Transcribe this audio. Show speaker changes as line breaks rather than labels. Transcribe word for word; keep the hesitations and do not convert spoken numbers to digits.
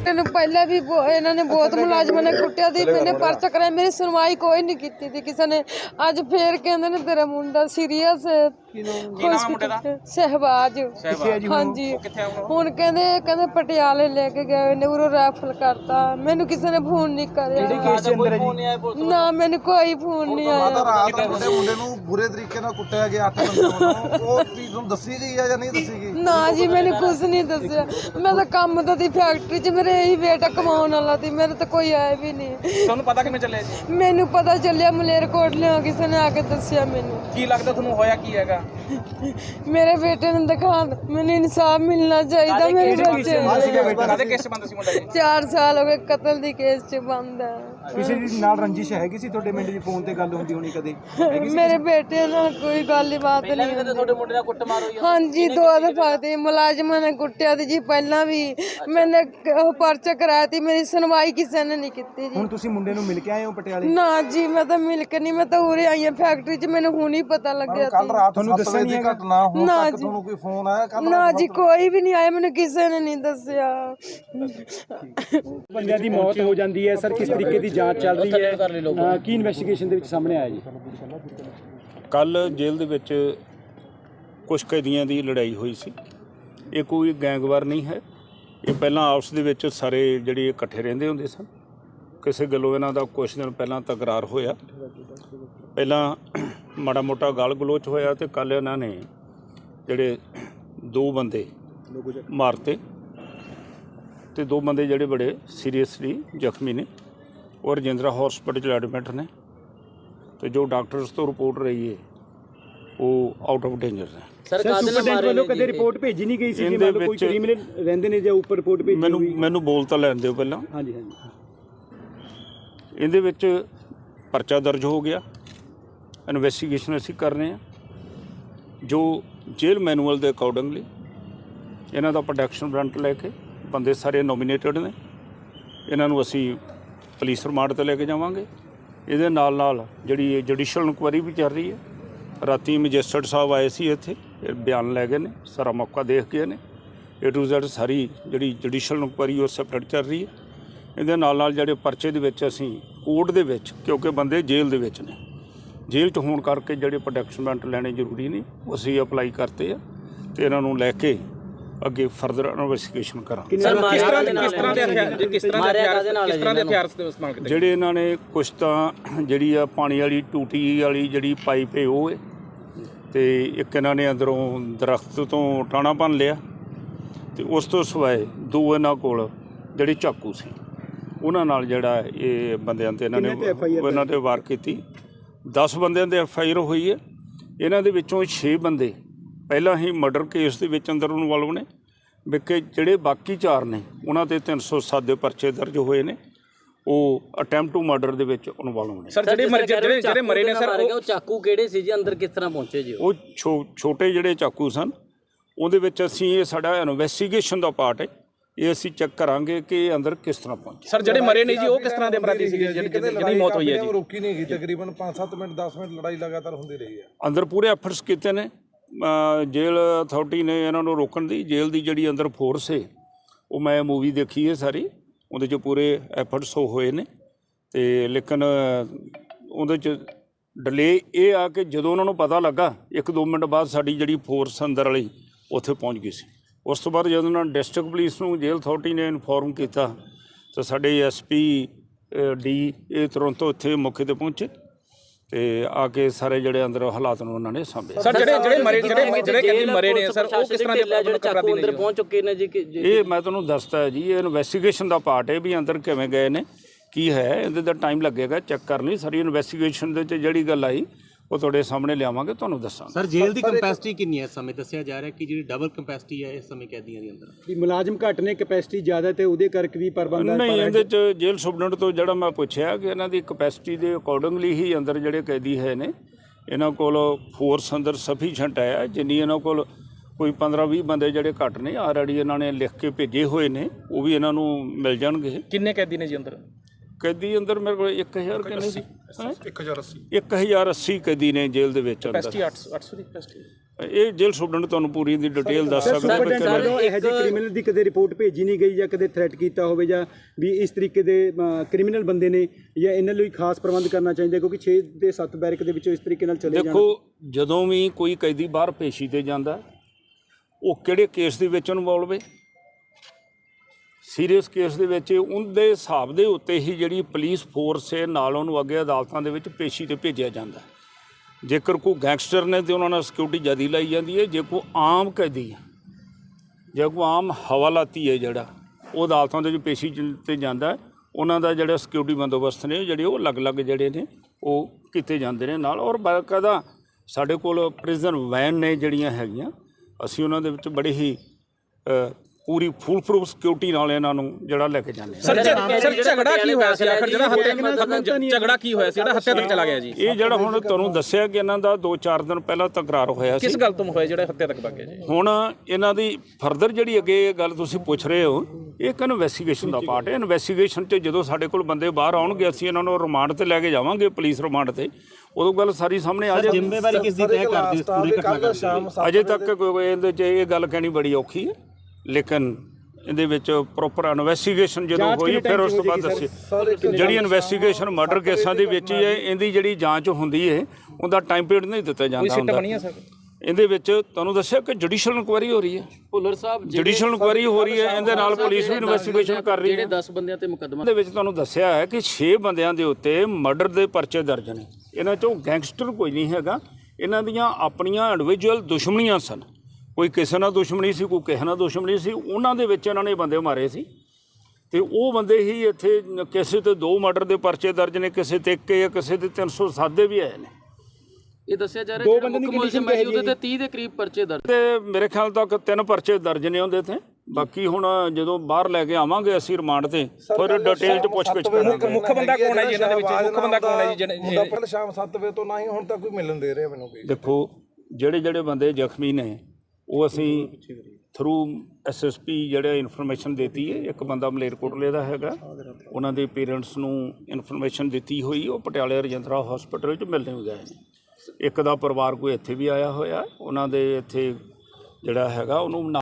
मैंने पहले भी इन्होंने बहुत मुलाजमान ने कुटिया थी, मैंने पर्चा कराया, मेरी सुनवाई कोई नहीं की थी किसी ने। अज फिर कहते ने तेरा मुंडा सीरीयस है सहबाज। हाँ जी हुण कहंदे कहंदे पटियाले लेके गए न्यूरो रैफर करता। मैनू किसी ने फोन नहीं करया ना, मैनू कोई फोन नहीं आया।
रात मुंडे मुंडे नूं बुरे तरीके नाल कुੱਟਿਆ ਗਿਆ ਅੱਠ ਬੰਦੇ ਵੱਲੋਂ, ਉਹ ਚੀਜ਼ ਤੁਹਾਨੂੰ ਦੱਸੀ ਗਈ ਆ ਜਾਂ नहीं ਦੱਸੀ गई?
ना जी मैंने कुछ नहीं दसिया, मैं तो काम तो थी फैक्ट्री च, मेरे यही बेटा कमाने वाला थी, मेरे तो कोई आया भी नहीं।
ਤੁਹਾਨੂੰ ਪਤਾ ਕਿਵੇਂ ਚੱਲਿਆ ਜੀ?
मैनू पता चलिया मलेरकोटले किसी ने आके दसिया। मैनू
ਕੀ ਲੱਗਦਾ ਤੁਹਾਨੂੰ ਹੋਇਆ ਕੀ ਹੈਗਾ?
मेरे बेटे ने दिखा, मैंने इंसाफ मिलना चाहिए। मेरे बच्चे
ਕਿਸ ਚ ਬੰਦ ਸੀ ਮੁੰਡਾ ਜੀ?
चार साल हो गए कतल दी केस च बंद है।
ਕਿਸੇ ਦੀ ਨਾਲ ਰੰਜਿਸ਼ ਹੈਗੀ ਸੀ ਤੁਹਾਡੇ ਮਿੰਟ ਦੀ ਫੋਨ ਤੇ ਗੱਲ ਹੁੰਦੀ ਹੋਣੀ ਕਦੇ?
मेरे बेटे नाल कोई गल बात नहीं।
ਤੁਹਾਡੇ ਮੁੰਡੇ ਨਾਲ ਕੁੱਟ ਮਾਰ ਹੋਈ?
हाँ जी दो दफा थी, मुलाजमान ने कुटिया थी जी पहला भी। मैंने पर्चा कराया थी, मेरी सुनवाई किसी ने नहीं की जी।
ਹੁਣ ਤੁਸੀਂ ਮੁੰਡੇ ਨੂੰ ਮਿਲ ਕੇ ਆਏ ਹੋ ਪਟਿਆਲੇ?
ना जी मैं तो मिल के नहीं, मैं तो उरे आई फैक्ट्री च, मैंने हुण ही पता लग्या।
ਕੱਲ ਰਾਤ ਤੁਹਾਨੂੰ ਦੱਸਿਆ ਨਹੀਂ ਘਟਨਾ ਹੁਣ
ना
ਤੱਕ
जी
ਤੁਹਾਨੂੰ ਕੋਈ ਫੋਨ ਆਇਆ? ਕੱਲ
ना जी कोई भी नहीं आया, मैंने किसी ने नहीं दसिया।
ਬੰਦਿਆਂ ਦੀ ਮੌਤ ਹੋ ਜਾਂਦੀ ਹੈ ਸਰ, ਕਿਸ ਤਰੀਕੇ ਦੀ ਜਾਂਚ ਚੱਲ ਰਹੀ ਹੈ, ਅਹ ਕੀ ਇਨਵੈਸਟੀਗੇਸ਼ਨ ਦੇ ਵਿੱਚ ਸਾਹਮਣੇ ਆਇਆ ਜੀ?
ਕੱਲ ਜੇਲ੍ਹ ਦੇ ਵਿੱਚ ਕੁਝ ਕੈਦੀਆਂ ਦੀ ਲੜਾਈ ਹੋਈ ਸੀ। ਇਹ ਕੋਈ ਗੈਂਗਵਾਰ ਨਹੀਂ ਹੈ, ਇਹ ਪਹਿਲਾਂ ਆਪਸ ਦੇ ਵਿੱਚ ਸਾਰੇ ਜਿਹੜੇ ਇਕੱਠੇ ਰਹਿੰਦੇ ਹੁੰਦੇ ਸਨ। ਕਿਸੇ ਗੱਲੋਂ ਇਹਨਾਂ ਦਾ ਕੁਛ ਦਿਨ ਪਹਿਲਾਂ ਤਕਰਾਰ ਹੋਇਆ, ਪਹਿਲਾਂ ਮਾੜਾ ਮੋਟਾ ਗਾਲ ਗਲੋਚ ਹੋਇਆ ਤੇ ਕੱਲ ਇਹਨਾਂ ਨੇ ਜਿਹੜੇ ਦੋ ਬੰਦੇ ਮਾਰਤੇ ਤੇ ਦੋ ਬੰਦੇ ਜਿਹੜੇ ਬੜੇ ਸੀਰੀਅਸਲੀ ਜ਼ਖਮੀ ਨੇ ਔਰ ਰਜਿੰਦਰਾ ਹਸਪੀਟਲ ਐਡਮਿਟ ਨੇ ਤੇ ਜੋ ਡਾਕਟਰਸ ਤੋਂ ਰਿਪੋਰਟ ਰਹੀ ਹੈ ਉਹ ਆਊਟ ਆਫ ਡੇਂਜਰ ਹੈ।
ਸਰ ਸੁਪਰਡੈਂਟ ਵੱਲੋਂ ਕਦੇ ਰਿਪੋਰਟ ਭੇਜੀ ਨਹੀਂ ਗਈ ਸੀ? ਜਿਵੇਂ ਕੋਈ ਕ੍ਰਿਮੀਨਲ ਰਹਿੰਦੇ ਨੇ ਜਾਂ ਉੱਪਰ ਰਿਪੋਰਟ ਭੇਜੀ?
ਮੈਨੂੰ ਮੈਨੂੰ ਬੋਲ ਤਾਂ ਲੈਣ ਦਿਓ ਪਹਿਲਾਂ।
ਹਾਂਜੀ ਹਾਂਜੀ।
ਇਹਦੇ ਵਿੱਚ ਪਰਚਾ ਦਰਜ ਹੋ ਗਿਆ, ਇਨਵੈਸਟੀਗੇਸ਼ਨ ਅਸੀਂ ਕਰ ਰਹੇ ਹਾਂ ਜੋ ਜੇਲ੍ਹ ਮੈਨੂਅਲ ਦੇ ਅਕੋਰਡਿੰਗਲੀ। ਇਹਨਾਂ ਦਾ ਪ੍ਰੋਟੈਕਸ਼ਨ ਵਾਰੰਟ ਲੈ ਕੇ ਬੰਦੇ ਸਾਰੇ ਨੋਮੀਨੇਟਡ ਨੇ, ਇਹਨਾਂ ਨੂੰ ਅਸੀਂ ਪੁਲਿਸ ਰਿਮਾਂਡ 'ਤੇ ਲੈ ਕੇ ਜਾਵਾਂਗੇ। ਇਹਦੇ ਨਾਲ ਨਾਲ ਜਿਹੜੀ ਜੁਡੀਸ਼ੀਅਲ ਇਨਕੁਆਇਰੀ ਵੀ ਚੱਲ ਰਹੀ ਹੈ। ਰਾਤੀ ਮੈਜਿਸਟਰੇਟ ਸਾਹਿਬ ਆਏ ਸੀ ਇੱਥੇ, ਬਿਆਨ ਲੈ ਗਏ ਨੇ, ਸਾਰਾ ਮੌਕਾ ਦੇਖ ਗਏ ਨੇ। ਏ ਟੂ ਜ਼ੈਡ ਸਾਰੀ ਜਿਹੜੀ ਜੁਡੀਸ਼ੀਅਲ ਇਨਕੁਆਇਰੀ ਉਹ ਸੈਪਰੇਟ ਚੱਲ ਰਹੀ ਹੈ। ਇਹਦੇ ਨਾਲ ਨਾਲ ਜਿਹੜੇ ਪਰਚੇ ਦੇ ਵਿੱਚ ਅਸੀਂ ਕੋਰਟ ਦੇ ਵਿੱਚ, ਕਿਉਂਕਿ ਬੰਦੇ ਜੇਲ੍ਹ ਦੇ ਵਿੱਚ ਨੇ, ਜੇਲ੍ਹ 'ਚ ਹੋਣ ਕਰਕੇ ਜਿਹੜੇ ਪ੍ਰੋਟੈਕਸ਼ਨ ਵਾਰੰਟ ਲੈਣੇ ਜ਼ਰੂਰੀ ਨਹੀਂ, ਉਹ ਅਸੀਂ ਅਪਲਾਈ ਕਰਤੇ ਆ ਤੇ ਇਹਨਾਂ ਨੂੰ ਲੈ ਕੇ ਅੱਗੇ ਫਰਦਰ ਇਨਵੈਸਟੀਗੇਸ਼ਨ ਕਰਾਂਗੇ।
ਕਿਸ ਤਰ੍ਹਾਂ ਕਿਸ ਤਰ੍ਹਾਂ ਦੇ ਹਥਿਆਰ ਕਿਸ ਤਰ੍ਹਾਂ ਦੇ ਹਥਿਆਰ ਕਿਸ ਤਰ੍ਹਾਂ ਦੇ ਹਥਿਆਰ ਇਸਤੇਮਾਲ ਕੀਤੇ
ਜਿਹੜੇ ਇਹਨਾਂ ਨੇ? ਕੁਛ ਤਾਂ ਜਿਹੜੀ ਆ ਪਾਣੀ ਵਾਲੀ ਟੂਟੀ ਵਾਲੀ ਜਿਹੜੀ ਪਾਈਪ ਹੈ ਉਹ ਹੈ, ਤੇ ਇੱਕ ਇਹਨਾਂ ਨੇ ਅੰਦਰੋਂ ਦਰਖਤ ਤੋਂ ਟਾਣਾ ਭੰਨ ਲਿਆ, ਤੇ ਉਸ ਤੋਂ ਸਿਵਾਏ ਦੋ ਇਹਨਾਂ ਕੋਲ ਜਿਹੜੇ ਚਾਕੂ ਸੀ ਉਹਨਾਂ ਨਾਲ ਜਿਹੜਾ ਇਹ ਬੰਦਿਆਂ 'ਤੇ ਇਹਨਾਂ ਨੇ ਇਹਨਾਂ 'ਤੇ ਵਾਰ ਕੀਤੀ। ਦਸ ਬੰਦਿਆਂ 'ਤੇ ਐਫ ਆਈ ਆਰ ਹੋਈ ਹੈ। ਇਹਨਾਂ ਦੇ ਵਿੱਚੋਂ ਛੇ ਬੰਦੇ ਪਹਿਲਾਂ ਹੀ ਮਰਡਰ ਕੇਸ ਦੇ ਵਿੱਚ ਅੰਦਰ ਇਨਵੋਲਵ ਨੇ, ਵਿਕੇ ਜਿਹੜੇ ਬਾਕੀ ਚਾਰ ਨੇ ਉਹਨਾਂ 'ਤੇ ਤਿੰਨ ਸੌ ਸੱਤ ਦੇ ਪਰਚੇ ਦਰਜ ਹੋਏ ਨੇ, ਉਹ ਅਟੈਂਪਟ ਟੂ ਮਰਡਰ ਦੇ ਵਿੱਚ ਇਨਵੋਲਵ ਨੇ।
ਸਰ ਜਿਹੜੇ ਮਰੇ ਜਿਹੜੇ ਜਿਹੜੇ ਮਰੇ ਨੇ ਸਰ
ਉਹ ਚਾਕੂ ਕਿਹੜੇ ਸੀ ਜੀ, ਅੰਦਰ ਕਿਸ ਤਰ੍ਹਾਂ ਪਹੁੰਚੇ ਜੀ?
ਉਹ ਛੋਟੇ ਜਿਹੜੇ ਚਾਕੂ ਸਨ, ਉਹਦੇ ਵਿੱਚ ਅਸੀਂ, ਇਹ ਸਾਡਾ ਇਨਵੈਸਟੀਗੇਸ਼ਨ ਦਾ ਪਾਰਟ ਹੈ, ਇਹ ਅਸੀਂ ਚੈੱਕ ਕਰਾਂਗੇ ਕਿ ਇਹ ਅੰਦਰ ਕਿਸ ਤਰ੍ਹਾਂ ਪਹੁੰਚੇ।
ਸਰ ਜਿਹੜੇ ਮਰੇ ਨੇ ਜੀ ਉਹ ਕਿਸ ਤਰ੍ਹਾਂ ਦੇ ਅਪਰਾਧੀ ਸੀਗੇ ਜਿਹਦੀ ਮੌਤ ਹੋਈ ਹੈ ਜੀ?
ਰੋਕੀ ਨਹੀਂ ਗਈ, ਤਕਰੀਬਨ ਪੰਜ ਸੱਤ ਮਿੰਟ ਦਸ ਮਿੰਟ ਲੜਾਈ ਲਗਾਤਾਰ ਹੁੰਦੀ ਰਹੀ ਹੈ।
ਅੰਦਰ ਪੂਰੇ ਐਫਰਟਸ ਕੀਤੇ ਨੇ ਜੇਲ੍ਹ ਅਥਾਰਟੀ ਨੇ ਇਹਨਾਂ ਨੂੰ ਰੋਕਣ ਦੀ। ਜੇਲ੍ਹ ਦੀ ਜਿਹੜੀ ਅੰਦਰ ਫੋਰਸ ਹੈ, ਉਹ ਮੈਂ ਮੂਵੀ ਦੇਖੀ ਹੈ ਸਾਰੀ, ਉਹਦੇ 'ਚ ਪੂਰੇ ਐਫਰਟਸ ਹੋਏ ਨੇ, ਤੇ ਲੇਕਿਨ ਉਹਦੇ 'ਚ ਡਿਲੇ ਇਹ ਆ ਕਿ ਜਦੋਂ ਉਹਨਾਂ ਨੂੰ ਪਤਾ ਲੱਗਾ ਇੱਕ ਦੋ ਮਿੰਟ ਬਾਅਦ ਸਾਡੀ ਜਿਹੜੀ ਫੋਰਸ ਅੰਦਰ ਵਾਲੀ ਉੱਥੇ ਪਹੁੰਚ ਗਈ ਸੀ। ਉਸ ਤੋਂ ਬਾਅਦ ਜਦੋਂ ਉਹਨਾਂ ਡਿਸਟ੍ਰਿਕਟ ਪੁਲਿਸ ਨੂੰ ਜੇਲ੍ਹ ਅਥਾਰਟੀ ਨੇ ਇਨਫੋਰਮ ਕੀਤਾ ਤਾਂ ਸਾਡੇ ਐਸ ਪੀ ਡੀ ਇਹ ਤੁਰੰਤ ਉੱਥੇ ਮੌਕੇ 'ਤੇ ਪਹੁੰਚੇ ਤੇ ਆ ਕੇ ਸਾਰੇ ਜਿਹੜੇ ਅੰਦਰ ਹਾਲਾਤ ਨੂੰ ਉਹਨਾਂ ਨੇ ਸਾਂਭੇ।
ਸਰ ਜਿਹੜੇ ਜਿਹੜੇ ਮਰੇ ਜਿਹੜੇ ਜਿਹੜੇ ਕਹਿੰਦੇ ਮਰੇ ਨੇ ਸਰ ਉਹ ਕਿਸ ਤਰ੍ਹਾਂ ਦੇ
ਜਿਹੜੇ ਚਾਕੂ ਅੰਦਰ ਪਹੁੰਚ ਚੁੱਕੇ ਨੇ ਜੀ?
ਇਹ ਮੈਂ ਤੁਹਾਨੂੰ ਦੱਸਦਾ ਹੈ ਜੀ, ਇਹ ਇਨਵੈਸਟੀਗੇਸ਼ਨ ਦਾ ਪਾਰਟ ਹੈ ਵੀ ਅੰਦਰ ਕਿਵੇਂ ਗਏ ਨੇ, ਕੀ ਹੈ, ਇਹਦੇ ਦਾ ਟਾਈਮ ਲੱਗੇਗਾ ਚੈੱਕ ਕਰਨੀ। ਸਾਰੀ ਇਨਵੈਸਟੀਗੇਸ਼ਨ ਦੇ 'ਚ ਜਿਹੜੀ ਗੱਲ ਆਈ ਉਹ ਤੁਹਾਡੇ ਸਾਹਮਣੇ ਲਿਆਵਾਂਗੇ, ਤੁਹਾਨੂੰ ਦੱਸਾਂਗੇ।
ਸਰ ਜੇਲ੍ਹ ਦੀ ਕੈਪੈਸਿਟੀ ਕਿੰਨੀ ਹੈ ਇਸ ਸਮੇਂ? ਦੱਸਿਆ ਜਾ ਰਿਹਾ ਕਿ ਜਿਹੜੀ ਡਬਲ ਕੈਪੈਸਿਟੀ ਹੈ ਇਸ ਸਮੇਂ ਕੈਦੀਆਂ ਦੇ ਅੰਦਰ।
ਵੀ ਮੁਲਾਜ਼ਮ ਘੱਟ ਨੇ, ਕੈਪੈਸਿਟੀ ਜ਼ਿਆਦਾ ਤੇ ਉਹਦੇ ਕਰਕੇ ਵੀ ਪ੍ਰਬੰਧ
ਨਹੀਂ। ਇਹਦੇ 'ਚ ਜੇਲ੍ਹ ਸੁਪਰਡੈਂਟ ਤੋਂ ਜਿਹੜਾ ਮੈਂ ਪੁੱਛਿਆ ਕਿ ਇਹਨਾਂ ਦੀ ਕੈਪੈਸਿਟੀ ਦੇ ਅਕੋਰਡਿੰਗਲੀ ਹੀ ਅੰਦਰ ਜਿਹੜੇ ਕੈਦੀ ਹੈ ਨੇ, ਇਹਨਾਂ ਕੋਲ ਫੋਰਸ ਅੰਦਰ ਸਫੀਸ਼ੀਐਂਟ ਹੈ, ਜਿੰਨੀ ਇਹਨਾਂ ਕੋਲ ਕੋਈ ਪੰਦਰਾਂ ਵੀਹ ਬੰਦੇ ਜਿਹੜੇ ਘੱਟ ਨੇ ਆਲਰੇਡੀ ਇਹਨਾਂ ਨੇ ਲਿਖ ਕੇ ਭੇਜੇ ਹੋਏ ਨੇ, ਉਹ ਵੀ ਇਹਨਾਂ ਨੂੰ ਮਿਲ ਜਾਣਗੇ।
ਕਿੰਨੇ ਕੈਦੀ ਨੇ ਜੀ ਅੰਦਰ?
ਕੈਦੀ ਅੰਦਰ ਮੇਰੇ ਕੋਲ ਇੱਕ ਹਜ਼ਾਰ ਕਿੰਨੇ ਸੀ? ਇੱਕ ਹਜ਼ਾਰ ਅੱਸੀ ਕੈਦੀ ਨੇ ਜੇਲ੍ਹ ਦੇ ਵਿੱਚ ਅੰਦਰ।
ਕਪੈਸਿਟੀ ਅੱਠ ਸੌ ਦੀ ਕਪੈਸਿਟੀ।
ਇਹ ਜੇਲ੍ਹ ਸੁਪਰਡੈਂਟ ਤੁਹਾਨੂੰ ਪੂਰੀ ਦੀ ਡਿਟੇਲ ਦੱਸ ਸਕਦਾ।
ਸੁਪਰਡੈਂਟ ਵੱਲੋਂ ਇਹੋ ਜਿਹੇ ਕ੍ਰਿਮੀਨਲ ਦੀ ਕਦੇ ਰਿਪੋਰਟ ਭੇਜੀ ਨਹੀਂ ਗਈ ਜਾਂ ਕਦੇ ਥ੍ਰੈਟ ਕੀਤਾ ਹੋਵੇ ਜਾਂ ਵੀ ਇਸ ਤਰੀਕੇ ਦੇ ਕ੍ਰਿਮੀਨਲ ਬੰਦੇ ਨੇ ਜਾਂ ਇਹਨਾਂ ਲਈ ਖਾਸ ਪ੍ਰਬੰਧ ਕਰਨਾ ਚਾਹੀਦਾ ਕਿਉਂਕਿ ਛੇ ਦੇ ਸੱਤ ਬੈਰਕ ਦੇ ਵਿੱਚੋਂ ਇਸ ਤਰੀਕੇ ਨਾਲ ਚਲੇ ਜਾਣ। ਦੇਖੋ,
ਜਦੋਂ ਵੀ ਕੋਈ ਕੈਦੀ ਬਾਹਰ ਪੇਸ਼ੀ ਤੇ ਜਾਂਦਾ ਉਹ ਕਿਹੜੇ ਕੇਸ ਦੇ ਵਿੱਚ ਇਨਵੋਲਵ ਹੈ, ਸੀਰੀਅਸ ਕੇਸ ਦੇ ਵਿੱਚ ਉਹਦੇ ਹਿਸਾਬ ਦੇ ਉੱਤੇ ਹੀ ਜਿਹੜੀ ਪੁਲਿਸ ਫੋਰਸ ਹੈ ਨਾਲ ਉਹਨੂੰ ਅੱਗੇ ਅਦਾਲਤਾਂ ਦੇ ਵਿੱਚ ਪੇਸ਼ੀ ਤੇ ਭੇਜਿਆ ਜਾਂਦਾ। ਜੇਕਰ ਕੋਈ ਗੈਂਗਸਟਰ ਨੇ ਤੇ ਉਹਨਾਂ ਨਾਲ ਸਿਕਿਉਰਿਟੀ ਜ਼ਿਆਦਾ ਲਾਈ ਜਾਂਦੀ ਹੈ। ਜੇ ਕੋਈ ਆਮ ਕੈਦੀ ਹੈ, ਜੇ ਕੋਈ ਆਮ ਹਵਾਲਾਤੀ ਹੈ ਜਿਹੜਾ ਉਹ ਅਦਾਲਤਾਂ ਦੇ ਵਿੱਚ ਪੇਸ਼ੀ 'ਤੇ ਜਾਂਦਾ, ਉਹਨਾਂ ਦਾ ਜਿਹੜਾ ਸਿਕਿਉਰਿਟੀ ਬੰਦੋਬਸਤ ਨੇ ਜਿਹੜੇ ਉਹ ਅਲੱਗ-ਅਲੱਗ ਜਿਹੜੇ ਨੇ ਉਹ ਕੀਤੇ ਜਾਂਦੇ ਨੇ ਨਾਲ। ਔਰ ਬਾਕਾਇਦਾ ਸਾਡੇ ਕੋਲ ਪ੍ਰਿਜ਼ਨ ਵੈਨ ਨੇ ਜਿਹੜੀਆਂ ਹੈਗੀਆਂ, ਅਸੀਂ ਉਹਨਾਂ ਦੇ ਵਿੱਚ ਬੜੇ ਹੀ ਪੂਰੀ ਫੁੱਲ ਪ੍ਰੂਫ ਸਿਕਿਉਰਿਟੀ ਨਾਲ ਇਹਨਾਂ ਨੂੰ ਜਿਹੜਾ ਲੈ ਕੇ ਜਾਂਦੇ ਹਾਂ।
ਸਰ ਝਗੜਾ ਕੀ ਹੋਇਆ ਸੀ ਆਖਰ ਜਿਹੜਾ ਹੱਤਿਆ ਝਗੜਾ ਕੀ ਹੋਇਆ ਸੀ ਜਿਹੜਾ ਹੱਤਿਆ ਤੱਕ ਚਲਾ ਗਿਆ ਜੀ?
ਇਹ ਜਿਹੜਾ ਹੁਣ ਤੁਹਾਨੂੰ ਦੱਸਿਆ ਕਿ ਇਹਨਾਂ ਦਾ ਦੋ ਚਾਰ ਦਿਨ ਪਹਿਲਾਂ ਤਕਰਾਰ ਹੋਇਆ ਸੀ।
ਕਿਸ ਗੱਲ ਤੋਂ ਹੋਇਆ ਜਿਹੜਾ ਹੱਤਿਆ ਤੱਕ ਵਗ ਗਿਆ ਜੀ?
ਹੁਣ ਇਹਨਾਂ ਦੀ ਫਰਦਰ ਜਿਹੜੀ ਅੱਗੇ ਇਹ ਗੱਲ ਤੁਸੀਂ ਪੁੱਛ ਰਹੇ ਹੋ, ਇਹ ਇੱਕ ਇਨਵੈਸਟੀਗੇਸ਼ਨ ਦਾ ਪਾਰਟ ਹੈ। ਇਨਵੈਸਟੀਗੇਸ਼ਨ 'ਚ ਜਦੋਂ ਸਾਡੇ ਕੋਲ ਬੰਦੇ ਬਾਹਰ ਆਉਣਗੇ ਅਸੀਂ ਇਹਨਾਂ ਨੂੰ ਰਿਮਾਂਡ ਤੇ ਲੈ ਕੇ ਜਾਵਾਂਗੇ, ਪੁਲਿਸ ਰਿਮਾਂਡ ਤੇ, ਉਦੋਂ ਗੱਲ ਸਾਰੀ ਸਾਹਮਣੇ ਆ ਜਾਏਗੀ।
ਜ਼ਿੰਮੇਵਾਰੀ ਕਿਸ ਦੀ ਤੈਅ ਕਰਦੀ ਇਸ ਪੂਰੀ ਘਟਨਾ ਦੀ?
ਅਜੇ ਤੱਕ ਇਹਦੇ 'ਚ ਇਹ ਗੱਲ ਕਹਿਣੀ ਬੜੀ ਔਖੀ ਹੈ, ਲੇਕਿਨ ਇਹਦੇ ਵਿੱਚ ਪ੍ਰੋਪਰ ਇਨਵੈਸਟੀਗੇਸ਼ਨ ਜਦੋਂ ਹੋਈ ਫਿਰ ਉਸ ਤੋਂ ਬਾਅਦ ਦੱਸੇ। ਜਿਹੜੀ ਇਨਵੈਸਟੀਗੇਸ਼ਨ ਮਰਡਰ ਕੇਸਾਂ ਦੇ ਵਿੱਚ ਹੀ ਹੈ, ਇਹਦੀ ਜਿਹੜੀ ਜਾਂਚ ਹੁੰਦੀ ਹੈ ਉਹਦਾ ਟਾਈਮ ਪੀਰੀਅਡ ਨਹੀਂ ਦਿੱਤਾ ਜਾਂਦਾ ਹੁੰਦਾ। ਇਹਦੇ ਵਿੱਚ ਤੁਹਾਨੂੰ ਦੱਸਿਆ ਕਿ ਜੁਡੀਸ਼ੀਅਲ ਇਨਕੁਆਇਰੀ ਹੋ ਰਹੀ ਹੈ।
ਭੁੱਲਰ ਸਾਹਿਬ
ਜੁਡੀਸ਼ੀਅਲ ਇਨਕੁਆਇਰੀ ਹੋ ਰਹੀ ਹੈ, ਇਹਦੇ ਨਾਲ ਪੁਲਿਸ ਵੀ ਇਨਵੈਸਟੀਗੇਸ਼ਨ ਕਰ ਰਹੀ ਹੈ।
ਜਿਹੜੇ ਦਸ ਬੰਦਿਆਂ ਤੇ ਮੁਕੱਦਮਾ
ਦੇ ਵਿੱਚ ਤੁਹਾਨੂੰ ਦੱਸਿਆ ਹੈ ਕਿ ਛੇ ਬੰਦਿਆਂ ਦੇ ਉੱਤੇ ਮਰਡਰ ਦੇ ਪਰਚੇ ਦਰਜ ਨੇ। ਇਹਨਾਂ 'ਚੋਂ ਗੈਂਗਸਟਰ ਕੋਈ ਨਹੀਂ ਹੈਗਾ, ਇਹਨਾਂ ਦੀਆਂ ਆਪਣੀਆਂ ਇੰਡੀਵਿਜੂਅਲ ਦੁਸ਼ਮਣੀਆਂ ਸਨ। ਕੋਈ ਕਿਸੇ ਨਾਲ ਦੁਸ਼ਮਣੀ ਸੀ, ਕੋਈ ਕਿਸੇ ਨਾਲ ਦੁਸ਼ਮਣੀ ਸੀ, ਉਹਨਾਂ ਦੇ ਵਿੱਚ ਇਹਨਾਂ ਨੇ ਬੰਦੇ ਮਾਰੇ ਸੀ ਤੇ ਉਹ ਬੰਦੇ ਹੀ ਇੱਥੇ ਕਿਸੇ ਤੇ ਦੋ ਮਰਡਰ ਦੇ ਪਰਚੇ ਦਰਜ ਨੇ, ਕਿਸੇ ਤੇ ਇੱਕ ਜਾਂ ਕਿਸੇ ਤੇ ਤਿੰਨ ਸੌ ਸੱਤ ਦੇ ਵੀ ਆਏ ਨੇ।
ਇਹ ਦੱਸਿਆ ਜਾ ਰਿਹਾ ਕਿ ਮੁੱਖ ਮੁਲਜ਼ਮ ਹੈ ਉਹਦੇ ਤੇ ਤੀਹ ਦੇ ਕਰੀਬ ਪਰਚੇ ਦਰਜ
ਤੇ ਮੇਰੇ ਖਿਆਲ ਤੱਕ ਤਿੰਨ ਪਰਚੇ ਦਰਜ ਨੇ ਉਹਦੇ ਤੇ। ਬਾਕੀ ਹੁਣ ਜਦੋਂ ਬਾਹਰ ਲੈ ਕੇ ਆਵਾਂਗੇ ਅਸੀਂ ਰਿਮਾਂਡ ਤੇ ਫਿਰ ਡਿਟੇਲ 'ਚ ਪੁੱਛ ਗਿੱਛ ਕਰਾਂਗੇ।
ਮੁੱਖ ਬੰਦਾ ਕੌਣ ਹੈ ਜੀ ਇਹਨਾਂ ਦੇ ਵਿੱਚ? ਮੁੱਖ ਬੰਦਾ ਕੌਣ ਹੈ ਜੀ
ਜਿਹੜਾ ਪਹਿਲਾਂ ਸ਼ਾਮ ਸੱਤ ਵਜੇ ਤੋਂ ਨਾ ਹੀ ਹੁਣ ਤੱਕ ਕੋਈ ਮਿਲਣ ਦੇ ਰਿਹਾ ਮੈਨੂੰ?
ਦੇਖੋ, ਜਿਹੜੇ ਜਿਹੜੇ ਬੰਦੇ ਜ਼ਖਮੀ ਨੇ ਉਹ ਅਸੀਂ ਥਰੂ ਐਸ ਐਸ ਪੀ ਜਿਹੜੇ ਇਨਫੋਰਮੇਸ਼ਨ ਦਿੱਤੀ ਹੈ। ਇੱਕ ਬੰਦਾ ਮਲੇਰਕੋਟਲੇ ਦਾ ਹੈਗਾ, ਉਹਨਾਂ ਦੇ ਪੇਰੈਂਟਸ ਨੂੰ ਇਨਫੋਰਮੇਸ਼ਨ ਦਿੱਤੀ ਹੋਈ, ਉਹ ਪਟਿਆਲੇ ਰਜਿੰਦਰਾ ਹਸਪੀਟਲ ਵਿੱਚ ਮਿਲਣੇ ਹੋ ਗਏ ਨੇ। ਇੱਕ ਦਾ ਪਰਿਵਾਰ ਕੋਈ ਇੱਥੇ ਵੀ ਆਇਆ ਹੋਇਆ, ਉਹਨਾਂ ਦੇ ਇੱਥੇ ਜਿਹੜਾ ਹੈਗਾ ਉਹਨੂੰ